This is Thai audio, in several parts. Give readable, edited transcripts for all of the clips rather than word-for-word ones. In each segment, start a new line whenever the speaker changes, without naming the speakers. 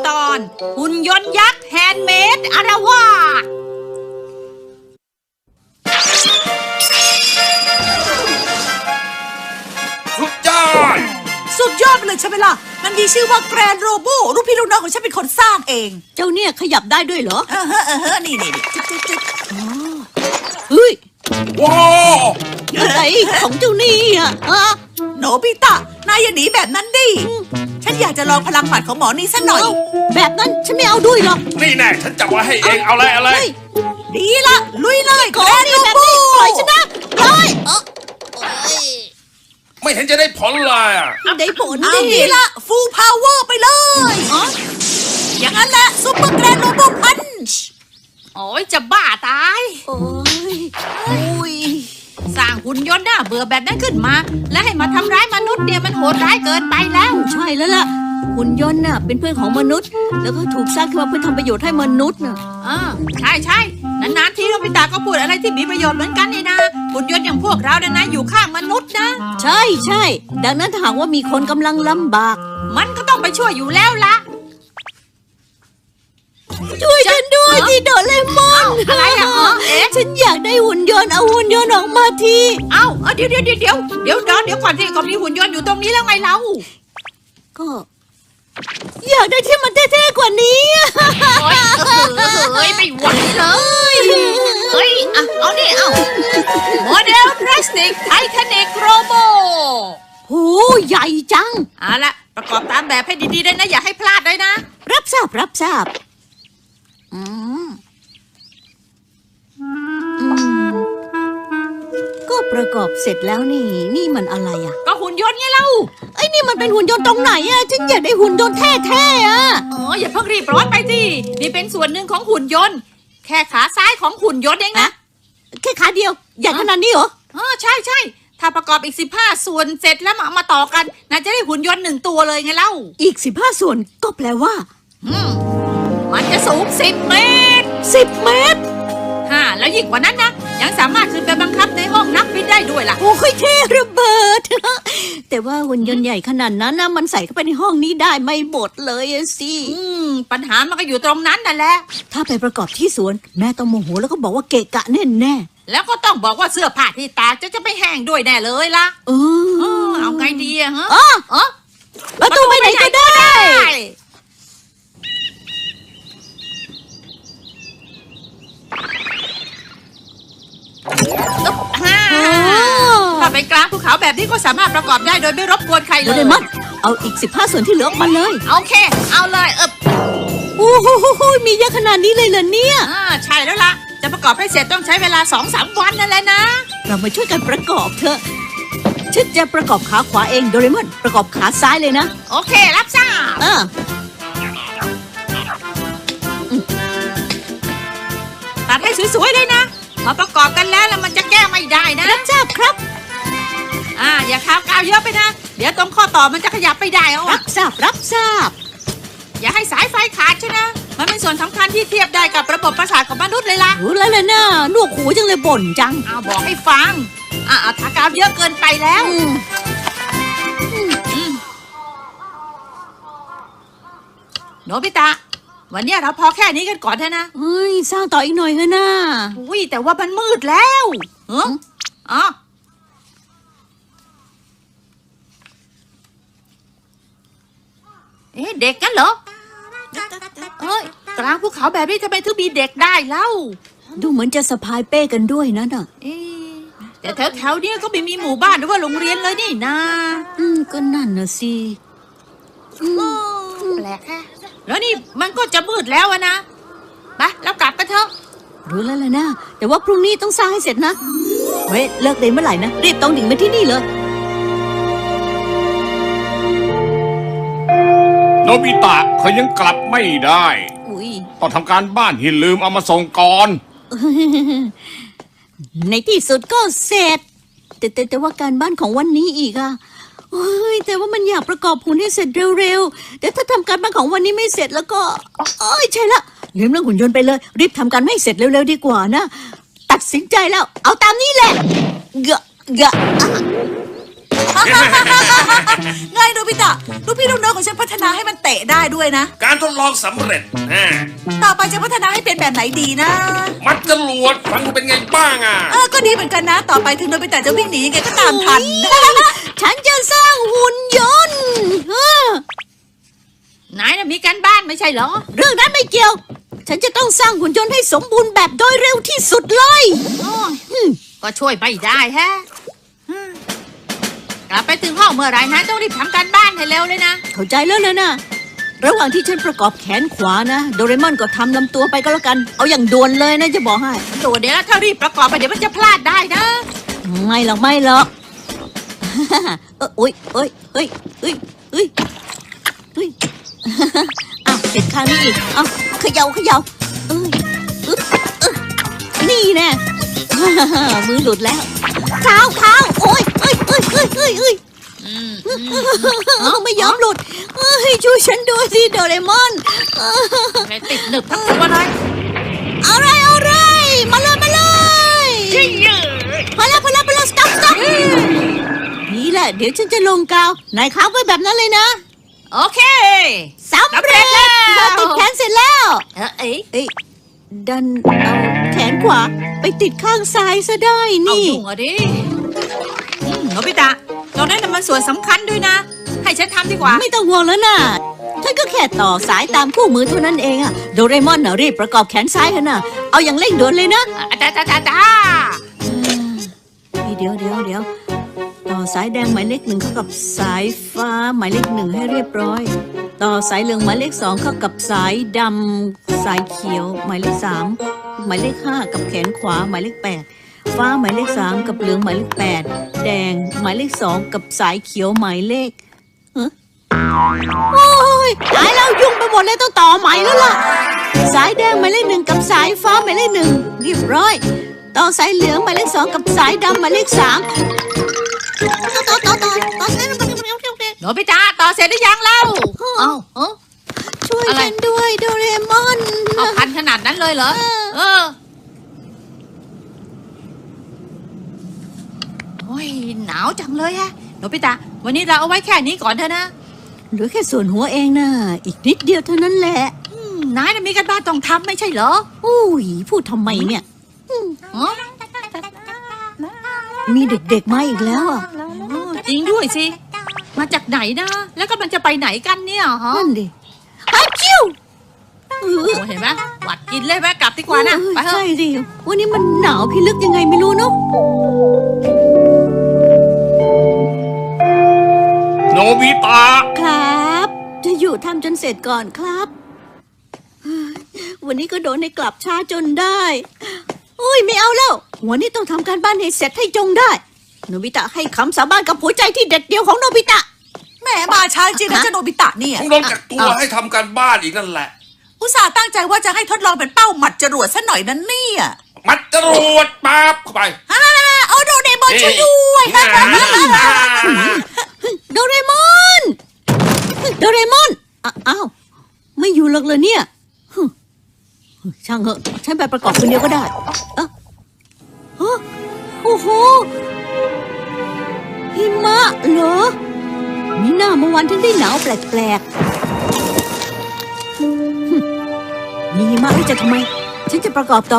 ตอนหุ่นยนต์ยักษ์แฮนด์เมดอารวาส
สุดยอด
ไปเลยใช่ไหมล่ะมันมีชื่อว่าแกรนโรโบลูกพี่ลูกน้องของฉันเป็นคนสร้างเอง
เจ้าเนี่ยขยับได้ด้วยเหรอ
นี่จุ๊บ
เฮ้ย
ว้าว
อะไรของเจ้านี่อ่ะ
โนบิตะนายอย่าหนีแบบนั้นดิฉันอยากจะลองพลังหมัดของหมอนี่สักหน่อย
แบบนั้นฉันไม่เอาด้วยหรอก
นี่แน่ฉันจับไว้ให้เองเอาเลย
ดีละลุยเลยแกรนโรโบ
ปล่อยฉันนะปล่อย
ไม่เห็นจะได้ผลเลย
ได้ผล
ดีละฟูลพาวเวอร์ไปเลยอย่างนั้นแหละซุปเปอร์แกรนโรโบพันช์
โอ้ยจะบ้าตาย
โอ้ย
สร้างหุ่นยนต์น่าเบื่อแบบนั้นขึ้นมาและให้มาทำร้ายมนุษย์เนี่ยมันโหดร้ายเกินไปแล้ว
ใช่แล้วล่ะหุ่นยนต์น่ะเป็นเพื่อนของมนุษย์แล้วก็ถูกสร้างขึ้นมาเพื่อทำประโยชน์ให้มนุษย์น่ะ
ใช่นานๆทีโนบิตะก็พูดอะไรที่มีประโยชน์เหมือนกันนี่นะหุ่นยนต์อย่างพวกเราเนี่ยนะอยู่ข้างมนุษย์นะ
ใช่ดังนั้นถ้าหากว่ามีคนกำลังลำบาก
มันก็ต้องไปช่วยอยู่แล้วล่ะ
ช่วยฉันด้วยที่โดเรมอน
อะไรอ่ะ
ฉันอยากได้หุ่นยนต์เอาหุ่นยนต์ออกมาที
เดี๋ยวก่อนที่ก็มีหุ่นยนต์อยู่ตรงนี้แล้วไงเรา
ก็อยากได้ที่มันเท่ๆกว่านี้
เฮ้ยไม่ไหวเลยเฮ้ยเอาโมเดลพลาสติกไททานิกโรโบ
โหใหญ่จัง
เอาละประกอบตามแบบให้ดีๆด้วยนะอย่าให้พลาดเลยนะ
รับทราบก็ประกอบเสร็จแล้วนี่มันอะไรอ่ะ
ก็หุ่นยนต์ไงเล่า
ไอ้นี่มันเป็นหุ่นยนต์ตรงไหนอ่ะฉันอยากได้หุ่นยนต์แท้ๆอ่ะ
อย่าเพิ่งรีบร้อนไปสินี่เป็นส่วนหนึ่งของหุ่นยนต์แค่ขาซ้ายของหุ่นยนต์เองนะ
แค่ขาเดียวใหญ่ขนาดนี้เหรอ
ใช่ถ้าประกอบอีก15ส่วนเสร็จแล้วมาต่อกันน่าจะได้หุ่นยนต์1ตัวเลยไงเล่า
อีก15ส่วนก็แปลว่า
มันจะสูง10 เมตร
10 เมตร
แล้วยิ่งกว่านั้นนะยังสามารถขึ้นไปบังคับในห้องนักบินได้ด้วยล่ะ
โอ้ยเท่ระเบิดแต่ว่าหุ่นยนต์ใหญ่ขนาดนั้นนะมันใส่เข้าไปในห้องนี้ได้ไม่หมดเลยสิ
ปัญหามันก็อยู่ตรงนั้นนั่นแหละ
ถ้าไปประกอบที่สวนแม่ต้องโมโหแล้วก็บอกว่าเกะกะแน่
แล้วก็ต้องบอกว่าเสื้อผ้าที่ตากจะไม่แห้งด้วยแน่เลยล่ะเอาไงดีอะฮะ
ประตูไปไหนก็ได้
ถ้าเป็นกลางภูเขาแบบนี้ก็สามารถประกอบได้โดยไม่รบกวนใครเลย
มันเอาอีก15ส่วนที่เหลือออกมาเลย
โอเคเอาเลย
โอ้โหมีเยอะขนาดนี้เลยเหรอเนี่ย
ใช่แล้วล่ะจะประกอบให้เสร็จต้องใช้เวลา 2-3 วันนั่นแหละนะ
เรามาช่วยกันประกอบเถอะฉันจะประกอบขาขวาเองโดเรมอนประกอบขาซ้ายเลยนะ
โอเครับทราบตัดให้สวยๆเลยนะพอประกอบกันแล้วมันจะแก้ไม่ได้นะ
รับทราบครับ
อย่าทากาวเยอะไปนะเดี๋ยวตรงข้อต่อมันจะขยับไปได้
รับทราบ
อย่าให้สายไฟขาดใช่นะมันเป็นส่วนสำคัญที่เทียบได้กับระบบประสาทของมนุษย์เลยล่ะ
รู้แล้วเลยนะหนวกหูจังเลยบ่นจัง
บอกให้ฟังทากาวเยอะเกินไปแล้วโนบิตะวันนี้เราพอแค่นี้กันก่อนเถอะนะ
สร้างต่ออีกหน่อยเถอะนะ
แต่ว่ามันมืดแล้วเด็กกันเหรอกลางภูเขาแบบนี้ทำไมถึงมีเด็กได้เล่า
ดูเหมือนจะสะพายเป้กันด้วยนะ
แต่แถวนี้ก็ไม่มีหมู่บ้านหรือว่าโรงเรียนเลยนี่นะ
ก็นั่นน่ะสิ
แปลกแค่แล้วนี่มันก็จะมืดแล้วนะไปแล้วกลับกันเถอะ
รู้แล้วล่ะนะแต่ว่าพรุ่งนี้ต้องสร้างให้เสร็จนะเลิกเรียนเมื่อไหร่นะรีบต้องดิ่งมาที่นี่เลย
โนบิตะเขายังกลับไม่ได้ต้องทำการบ้านที่ลืมเอามาส่งก่อน
ในที่สุดก็เสร็จแต่ว่าการบ้านของวันนี้อีกแต่ว่ามันอยากประกอบหุ่นให้เสร็จเร็วๆแต่ถ้าทำการบ้านของวันนี้ไม่เสร็จแล้วก็ใช่ละลืมเรื่องหุ่นยนต์ไปเลยรีบทำการให้เสร็จเร็วๆดีกว่านะตัดสินใจแล้วเอาตามนี้แหละ
ไงโนบิตะลูกพี่ลูกน้องของฉันพัฒนาให้มันเตะได้ด้วยนะ
การทดลองสำเร็จนะ
ต่อไปจะพัฒนาให้เป็นแบบไหนดีนะ
มัดจรวดฟังเป็นไงบ้างอ่ะ
ก็ดีเหมือนกันนะ ต่อไปถึงโนบิตะจะวิ่งหนียังไงก็ตามทัน
ฉันจะสร้างหุ่นยนต์
นายน่ะมีการบ้านไม่ใช่เหรอ
เรื่องนั้นไม่เกี่ยว ฉันจะต้องสร้างหุ่นยนต์ให้สมบูรณ์แบบโดยเร็วที่สุดเลย
ก็ช่วยไม่ได้แฮะกลับไปถึงห้องเมื่อไหรนะต้องรีบทำการบ้านให้เร็วเลยนะ
เข้าใจแล้วนะระหว่างที่ฉันประกอบแขนขวานะ โดเรมอนก็ทำลำตัวไปก็แล้วกัน เอาอย่างด่วนเลยนะจะบอกให้
ตัวเดี๋ยวถ้ารีบประกอบไปเดี๋ยวมันจะพลาดได้นะ
ไม่หรอกไม่หรอก โอ้ยเอ้ยเฮ้ยเฮ้ยเฮ้ยเฮ้ยอ้าวเสร็จข้างนี้อีกอ้าวเขย่าเอ้ยอึ๊บนี่แน่ มือหลุดแล้วเท้าโอ้ยเอ้ยไม่ยอมหลุดเอ้ยช่วยฉันด้วยสิโดเรมอน
เลยติดหนึบทั้งตัวเลย
อะไรมาเลยพอแล้วสต็อปนี่แหละเดี๋ยวฉันจะลงกาวนายค้างไว้แบบนั้นเลยนะ
โอเค
สำเร็จแล้วติดแขนเสร็จแล้ว
เอ้ย
เอ้ยดันเอาแขนขวาไปติดข้างซ้ายซะได้
เอา
นี่
ยุ่งอ่ะดิโนบิตะตรงนั้นน่ะมันส่วนสำคัญด้วยนะ ให้ฉันทำดีกว่า
ไม่ต้องห่วงแล้วนะฉันก็แค่ต่อสายตามคู่มือเท่านั้นเองอะโดเรมอนน่ะรีบประกอบแขนซ้ายเถอะนะเอาอย่างเร่งด่วนเลยนะ
จ้า
เดี๋ยวต่อสายแดงหมายเลข1เข้ากับสายฟ้าหมายเลข1ให้เรียบร้อย ต่อสายเหลืองหมายเลข2เข้ากับสายดำสายเขียวหมายเลข3หมายเลข5กับแขนขวาหมายเลข8ฟ้าหมายเลข3กับเหลืองหมายเลข8แดงหมายเลข2กับสายเขียวหมายเลขโอ้ยตายแล้วยุ่งไปหมดเลยต้องต่อใหม่แล้วล่ะสายแดงหมายเลข1กับสายฟ้าหมายเลข1เรียบร้อยต่อสายเหลืองหมายเลข2กับสายดำหมายเลข3ต่อสาย
โนบิตะต่อเสร็จหรือยังเล่าเอ้า
ช่วยฉันด้วยโดเรมอน
เอาพันขนาดนั้นเลยเหรอโอ้ยหนาวจังเลยฮะโนบิตะวันนี้เราเอาไว้แค่นี้ก่อนเถอะนะ
เหลือแค่ส่วนหัวเองนะอีกนิดเดียวเท่านั้นแหละ
นายน่ะมีการบ้านต้องทำไม่ใช่เหรอ
อุ้ยพูดทำไมเนี่ย
อ๋อ
มีเด็กๆมาอีกแล้วอ่ะ
จริงด้วยสิ มาจากไหนนะ แล้วก็มันจะไปไหนกันเนี่ยฮะ
นั่นดิฮัชชิว
โอ้เห็นไหมหวัดกินเลยไหมกลับดีกว่านะไปเถ
ใช่
อะ
ดิวันนี้มันหนาวพิลึกยังไงไม่รู้เนาะ
โนบิตะ
ครับ จะอยู่ทำจนเสร็จก่อนครับวันนี้ก็โดนให้กลับช้าจนได้อุ้ยไม่เอาแล้ววันนี้ต้องทำการบ้านให้เสร็จให้จงได้โนบิตะให้คำสาบานกับหัวใจที่เด็ดเดียวของโนบิตะ
แหมมาช้าจริงนะเจ้าโนบิตะเนี่ย
ต้องโดนกักตัวให้ทำการบ้านอีกนั่นแหละ
อุตส่าห์ตั้งใจว่าจะให้ทดลองเป็นเป้าหมัดจรวดซะหน่อยนั้นเนี่ย
มัดจรวดปั๊บเข้าไป
เอาโดเรมอนช่วยด้วย
โดเรมอนอ้าวไม่อยู่หรอกเลยเนี่ยช่างเหอะฉันไปประกอบคนเดียวก็ได้โอ้โหหิมะเหรอมีหน้าเมื่อวันถึงได้หนาวแปลกๆมีหิมะแล้วจะทำไมฉันจะประกอบต่อ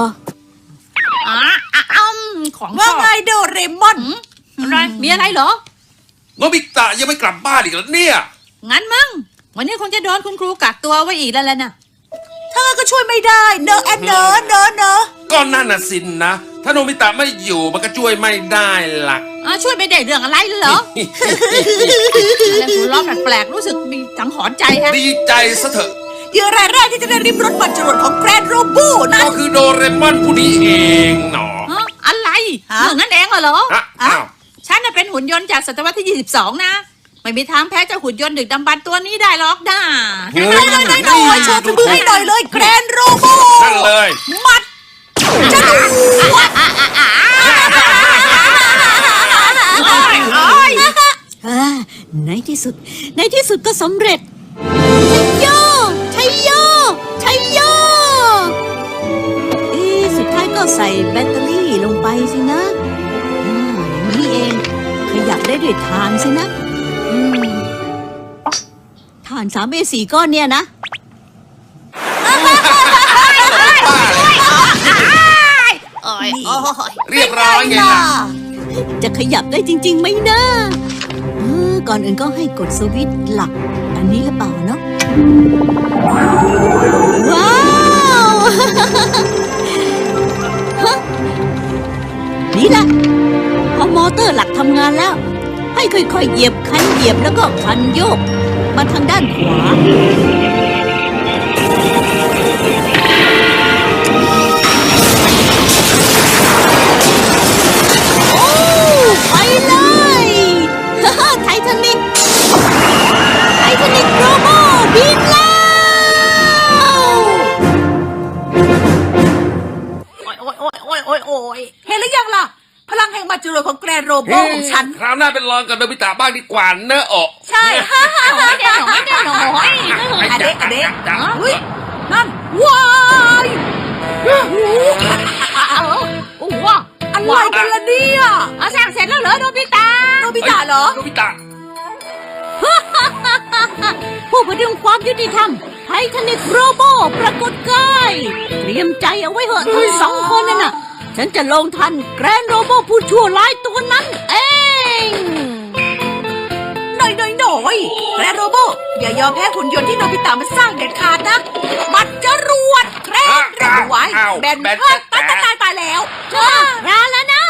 ของ
ว่าไงโดเรมอน
อะไรมีอะไรเหรอ
โนบิตะยังไม่กลับบ้านอีกแล้วเนี่ย
งั้นมั้งวันนี้คงจะโดนคุณครูกักตัวไว้อีกแล้วแหละนะ
ถ้างั้นก็ช่วยไม่ได้เนอะแอนเนอะ
ก็นั่นน่ะสินนะ ถ้าโนบิตะไม่อยู่มันก็ช่วยไม่ได้ล่ะ
ช่วยไม่ได้เรื่องอะไรเลยเหรอ แล้วหัวเราะแปลกๆรู้สึกมีสังหรณ์ใจฮะ
ดีใจซะเถอะ
เหยื่อรายแรกที่จะได้ริมรถบัตรจรวดของแกรนด์โรบูนั่น
ก็คือโดเรมอนผู้นี้เองหนอ
อะไร
ฮะ
เรื่องนั้นเองเหรอ
อ้าว
ฉันน่ะเป็นหุ่นยนต์จากศตวรรษที่ 22 นะ ไม่มีทางแพ้เจ้าหุ่นยนต์ดึกดำบรรพ์ตัวนี้ได้หรอกนะ
เฮ้ย
หน่อยโชว์ฝีมือให้หน่อยเลยแกรนด์โรบู
นั่นเลย
มัดจรวด
ในที่สุดก็สำเร็จชัยโยสุดท้ายก็ใส่แบตเตอรี่ลงไปสินะอย่างนี้เองขยับได้ด้วยทานสินะทาน3A4 ก้อนเนี่ยนะ
เรียบร้อยไงล่ะ
จะขยับได้จริงๆไหมนะก่อนอื่นก็ให้กดสวิตช์หลักอันนี้หรือเปล่าเนาะว้าวฮะนี่ละพอมอเตอร์หลักทำงานแล้ว ให้ค่อยๆเหยียบคันเหยียบแล้วก็คันโยกมาทางด้านขวาไปเลยไททานิกโรโบบินแล้ว
โอ้ยเห็นหรือยังล่ะ พลังแห่งมาจุโรของแกรนโรโบของฉัน
คราวหน้าเป็นรองกับโนบิตะบ้างดีกว่าเนอะโอะ
ใช่ฮ่าฮ่าฮ่าแน่นอนแน่นอนอะเด็กเฮ้ยนั่นว้ายโอ้โหอะไรกันล่ะเนี่ยเอาสร้างเสร็จแล้วเหรอโนบิตะเหรอ
โนบิตะ
ผู้พดุงความยุติธรรมไททานิกโรโบปรากฏกายเตรียมใจเอาไว้เหอะทั้งสองคนนั่นน่ะฉันจะลงทันแกรนโรโบผู้ชั่วร้ายตัวนั้นเอง
หน่อยแกรนโรโบอย่ายอมแพ้หุ่นยนต์ที่โนบิตะมันสร้างเด็ดขาดนะมันจะรวดแกรนระไว้แบนเพิ่มตายแล้ว
ร้าแล้วนะ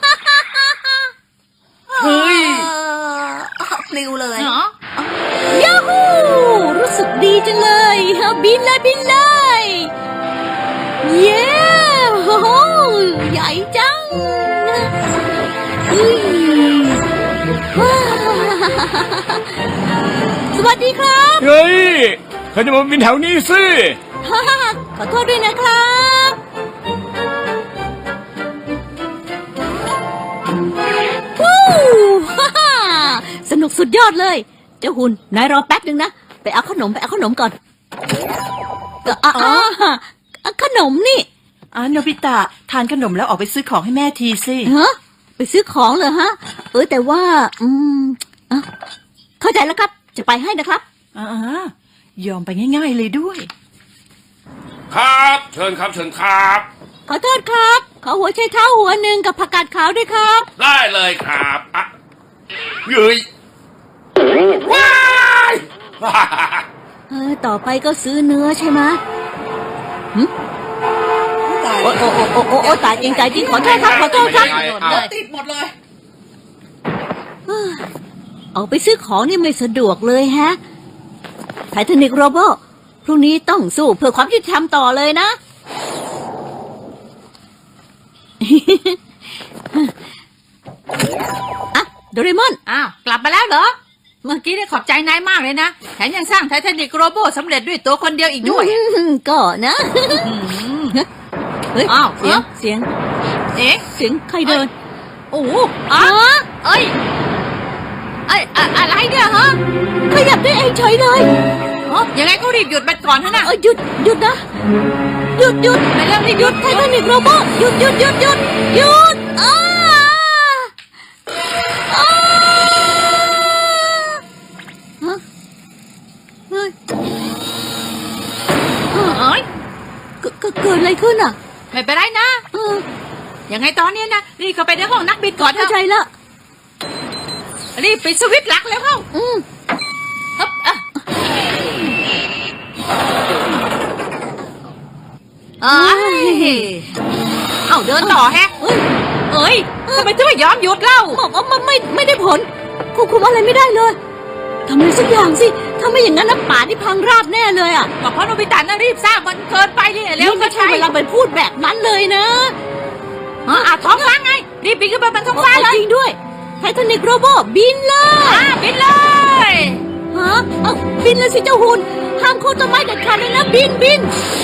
เฮ้ย
ปลิวเลย
ยาฮูรู้สึกดีจังเลยบินเลยเย้โอ้โหใหญ่จังสวัสดีครับ
เฮ้ยเขาจะมาบินแถวนี้สิ
ขอโทษด้วยนะครับวู้สนุกสุดยอดเลยเจ้าหุ่นนายรอแป๊บนึงนะไปเอาขนมก่อนขนมนี่
โนบิตะทานขนมแล้วออกไปซื้อของให้แม่ทีสิ
ฮะไปซื้อของเหรอฮะแต่ว่าเข้าใจแล้วครับจะไปให้นะครับ
ยอมไปง่ายๆเลยด้วย
ครับเชิญครับ
ขอโทษครับขอหัวไชเท้าหัวหนึ่งกับผักกาดขาวด้วยครับ
ได้เลยครับเฮ้ยว้าย
ต่อไปก็ซื้อเนื้อใช่ไหมโอ้ตายจริงขอโทษครับ
ติดหมดเลย
ออกไปซื้อของนี่ไม่สะดวกเลยฮะไททานิกโรโบพรุ่งนี้ต้องสู้เพื่อความยุติธรรมต่อเลยนะโดเรมอน
กลับมาแล้วเหรอเมื่อกี้ได้ขอบใจนายมากเลยนะแถมยังสร้างไททานิกโรโบสำเร็จด้วยตัวคนเดียวอีกด้วย
ก็นะเฮ้ยเสียงใครเดิน
โอ้อะไรเนี่ยฮะ
ขยับได้เองเฉยเลย
ยังไงก็รีบหยุดมันก่อนเถอะนะ
หยุดนะหยุด
ไปเรื่องนี้หยุด
ไททานิกโรโบหยุดเกิดอะไรขึ้นอ่ะ
ไม่เป็นไรนะยังไงตอนนี้นะรีบเข้าไปในห้องนักบินก่อน
เข้าใจละ
รีบไปสวิตช์หลักแล้วเข้าเดินต่อแฮะทำไมถึงไม่ยอมหยุดเล่า
ไม่ได้ผลควบคุมอะไรไม่ได้เลยทำอะไรสักอย่างสิถ้าไม่อย่างนั้นน้ำป่าที่พังราบแน่เลยอ่ะ
เพราะโนบิตะน่ะรีบสร้างมันเกินไปนี่แล้ว
ไม่ใช่เวลาไปพูดแบบนั้นเลยนะ
ท้องฟ้าไงรีบบินขึ้นไปบนท้องฟ้าเลย
จริงด้วยไททานิกโรโบบินเลย
บินเลย
บินเลยสิเจ้าหุ่นห้ามโค่นต้นไม้เด็ดขาดเลยนะบินบิน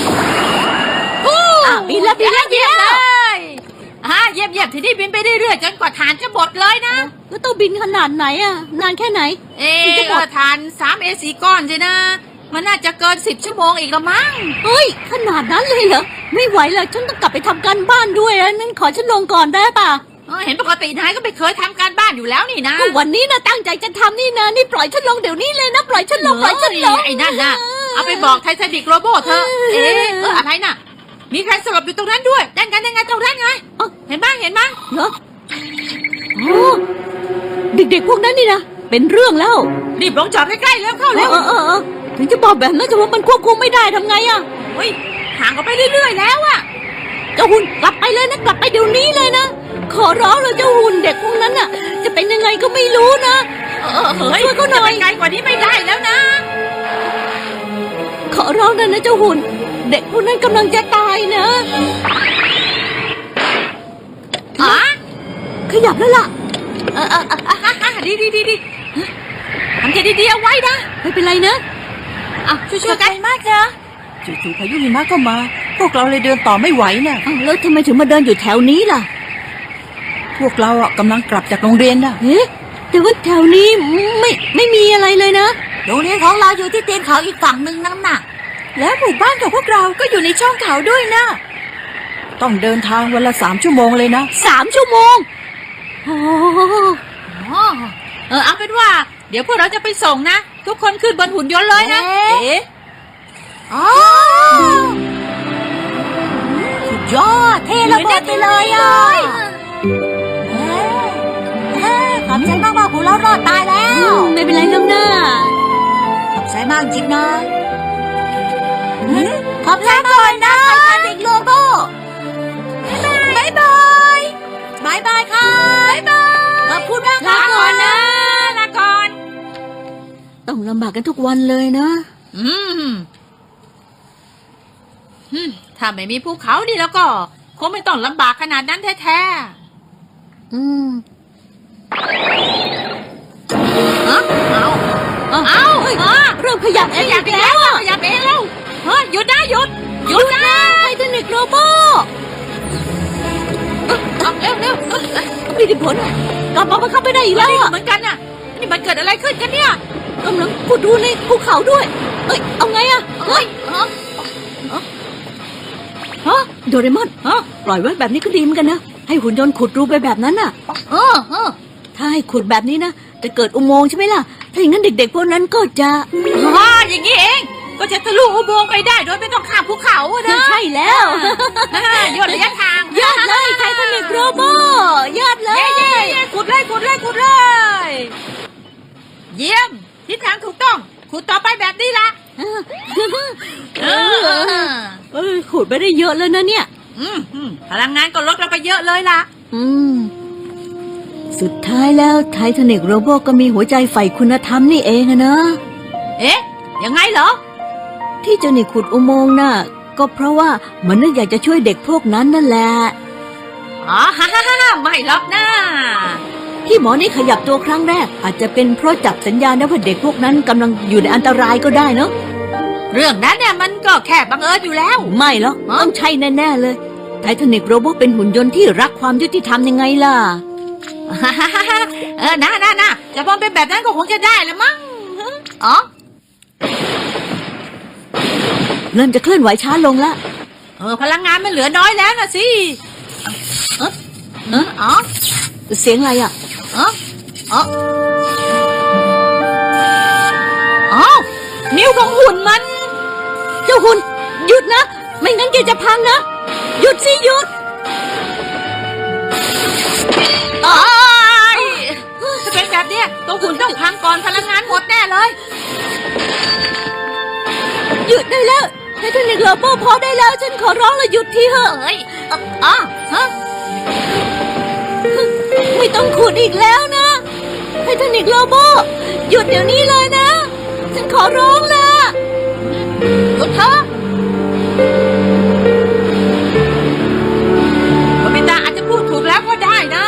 แล้ว
เยี่ยมเลยเยี่ยมทีนี้บินไปเรื่อยๆจนกว่าฐานจะหมดเลยนะ
แล้วต้องบินขนาดไหนอ่ะนานแค่ไหน
จะหมดฐาน3A4 ก้อนสินะมันน่าจะเกิน10 ชั่วโมงอีกละมั้ง
ขนาดนั้นเลยเหรอไม่ไหวแล้วฉันต้องกลับไปทำการบ้านด้วยนั้นขอฉันลงก่อนได้ป่ะ
เห็นปกตินายก็ไม่เคยทำการบ้านอยู่แล้วนี่นะ
ก็วันนี้นะตั้งใจจะทำนี่นะนี่ปล่อยฉันลงเดี๋ยวนี้เลยนะปล่อยฉันลงปล่อยฉันลง
ไอ้นั่นน่ะเอาไปบอกไททานิกโรโบเธออะไรน่ะมีใครสลบอยู่ตรงนั้นด้วยนั่นกันยังไงตรงนั้นไงเห็นบ้างเห็นบ้าง
เหรอโอ้เด็กๆพวกนั้นนี่นะเป็นเรื่องแล้ว
รีบลงจอดใกล้ๆเร็วเข้าเร็ว
ถึงจะบอกแบบนั้นแต่ว่ามันควบคุมไม่ได้ทำไงอะ
เฮ้ยห่างออกไปเรื่อยๆแล้วอะ
เจ้าหุ่นกลับไปเลยนะกลับไปเดี๋ยวนี้เลยนะขอร้องเลยเจ้าหุ่นเด็กพวกนั้นน่ะ จะเป็นยังไงก็ไม่รู้นะ
เฮ้ย
ช่วยเขาหน่อย
จะไปไกลกว่านี้ไม่ได้แล้วนะ
ขอร้องนะเจ้าหุ่นเด็กพวกนั้นกำลังจะตายนะ ขยับแล้วล่ะ
ดีทำใจดีๆเอาไว้นะ
ไม่เป็นไรนะ
ช่วยๆกันมากนะจู่ๆพายุหิมะก็มา พวกเราเลยเดินต่อไม่ไหวน่ะ
แล้วทำไมถึงมาเดินอยู่แถวนี้ล่ะ
พวกเรากำลังกลับจากโรงเรียนน่ะ
เอ๊ะแต่ว่าแถวนี้ไม่มีอะไรเลยนะ
โรงเรียนของเราอยู่ที่ตีนเขาอีกฝั่งหนึ่งนั่นน่ะ แล้วหมู่บ้านของพวกเราก็อยู่ในช่องเขาด้วยนะต้องเดินทางวันละ3 ชั่วโมงเลยนะ
3 ชั่วโมงโอ้
เอาเป็นว่า เดี๋ยวพวกเราจะไปส่งนะ ทุกคนขึ้นบนหุ่นยนต์เลยนะสุดยอดเท่ระเบิดไปเลยขอบใจมากๆพวกเรารอดตายแล้ว
ไม่เป็นไรแล้วนะ
ขอบใจมากจริงนะขอบใจก่อนนะไททานิกโลโก้บ๊ายบายบ๊ายบายค่ะบ๊ายบายขอบคุณมาก
ลาก่อนนะ
ลาก่อน
ต้องลำบากกันทุกวันเลยนะ
ถ้าไม่มีภูเขานี่แล้วก็คงไม่ต้องลำบากขนาดนั้นแท้ๆเอา
เริ่มขยับเองอีกแล้วอะ
ขยับเองแล้วหยุดนะหยุด
นะไททานิกโรโบ
เร็ว
ไม่ได้ผลอะกลับมาบังคับไม่ได้อีกแล้วอะ
เหมือนกันน่ะนี่มันเกิดอะไรขึ้นกันเนี่ย
กำลังขุดดูในภูเขาด้วยเอาไงอะโดเรมอนปล่อยไว้แบบนี้ก็ดีเหมือนกันนะให้หุ่นยนต์ขุดรูไปแบบนั้นน่ะถ้าให้ขุดแบบนี้นะจะเกิดอุโมงค์ใช่ไหมล่ะถ้าอย่างนั้นเด็กๆพวกนั้นก็จะ
อย่างนี้เองก็จะทะลุอุโมงค์ไปได้โดยไม่ต้องข้ามภูเขานะ
ใช่แล้ว
ย่นระยะทาง
ยอดเลยไททานิกโรโบยอดเลย
ขุดเลยเยี่ยมทิศทางถูกต้องขุดต่อไปแบบนี้ละ
ขุดไปได้เยอะแล้วนะเนี่ย
พลังงานก็ลดเราไปเยอะเลยล่ะ
สุดท้ายแล้วไททานิกโรโบก็มีหัวใจใฝ่คุณธรรมนี่เองอะนะ
ยังไงเหรอ
ที่เจ้านี่ขุดอุโมงค์น่ะก็เพราะว่ามันนึกอยากจะช่วยเด็กพวกนั้นนั่นแหละ
ไม่หรอกนะ
ที่หมอนี่ขยับตัวครั้งแรกอาจจะเป็นเพราะจับสัญญาณนะว่าเด็กพวกนั้นกำลังอยู่ในอันตรายก็ได้เนอะ
เรื่องนั้นเนี่ยมันก็แค่บังเอิญอยู่แล้ว
ไม่หรอกต้องใช่แน่ๆเลยไททานิกโรโบเป็นหุ่นยนต์ที่รักความยุติธรรมยังไงล่ะ
นะจะพอเป็นแบบนั้นก็คงจะได้ละมั้ง
เริ่มจะเคลื่อนไหวช้าลงละ
พลังงานมันเหลือน้อยแล้วนะสิ
เสียงอะไรอ่ะ
นิ้วของหุ่นมัน
เจ้าหุ่นหยุดนะไม่งั้นแกจะพังนะหยุดสิหยุด
ถ้าเป็นแบบเนี้ยตัวหุ่นต้องพังก่อนพลังงานหมดแน่เลย
หยุดได้แล้วไททานิกโรโบพอได้แล้วฉันขอร้องเลยหยุดทีเถอะไม่ต้องขุดอีกแล้วนะไททานิกโรโบหยุดเดี๋ยวนี้เลยนะฉันขอร้องละ
หยุดเถอะโนบิตะอาจจะพูดถูกแล้วก็ได้นะ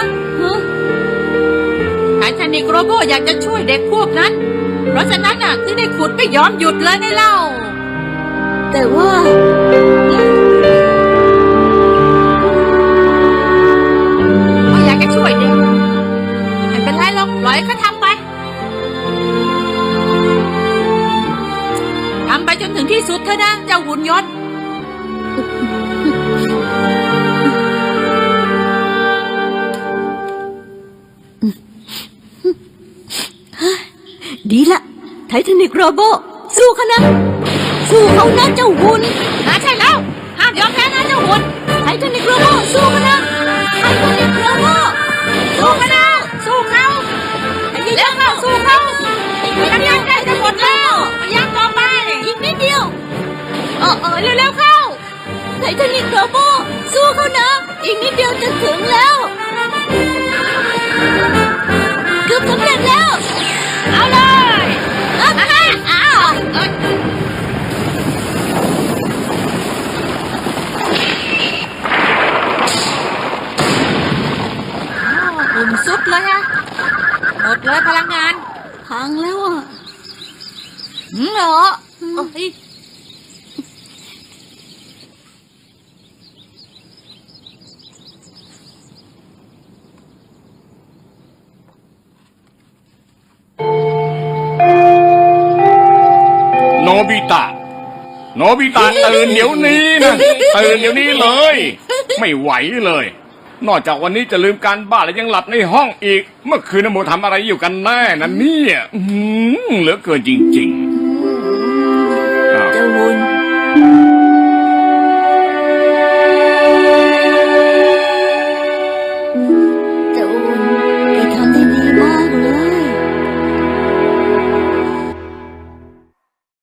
ไททานิกโรโบอยากจะช่วยเด็กพวกนั้นเพราะฉะนั้นน่ะถึงได้ขุดไม่ยอมหยุดเลยในเล่า
แต่ว่า
อยากจะช่วยเด็กไม่เป็นไรหรอกปล่อยเขาทำไปจนถึงที่สุดเถอะนะเจ้าหุ่นยนต์
ไททานิกโรโบสู้เขานะสู้เขานะเจ้าหุ่น
ใช่แล้วห้ามยอมแพ้นะเจ้าหุ่น
ไททานิกโรโบสู้เขานะไททานิกโรโบ
สู้กันนะสู้เขาเร็วเข้าสู้เขากำลังใกล้จะหมดแล้วยังต่อไป
อีกนิดเดียว
เร็วๆเข้า
ไททานิกโรโบสู้เขานะอีกนิดเดียวจะถึงแล้วเกือบสำเร็จแล้ว
เอาเลย
หุ่นสุดเลยฮะหมดเลยพลังงาน
พังแล้วอ่ะ
เหรอเอ้ย
โนบิตะ โนบิตะตื่นเดี๋ยวนี้นะตื่นเดี๋ยวนี้เลย ไม่ไหวเลย นอกจากวันนี้จะลืมการบ้านแล้วยังหลับในห้องอีก เมื่อคืนนโมทำอะไรอยู่กันแน่นะเนี่ยเหลือเกินจริงๆอ้าว
เจ้าหุ่น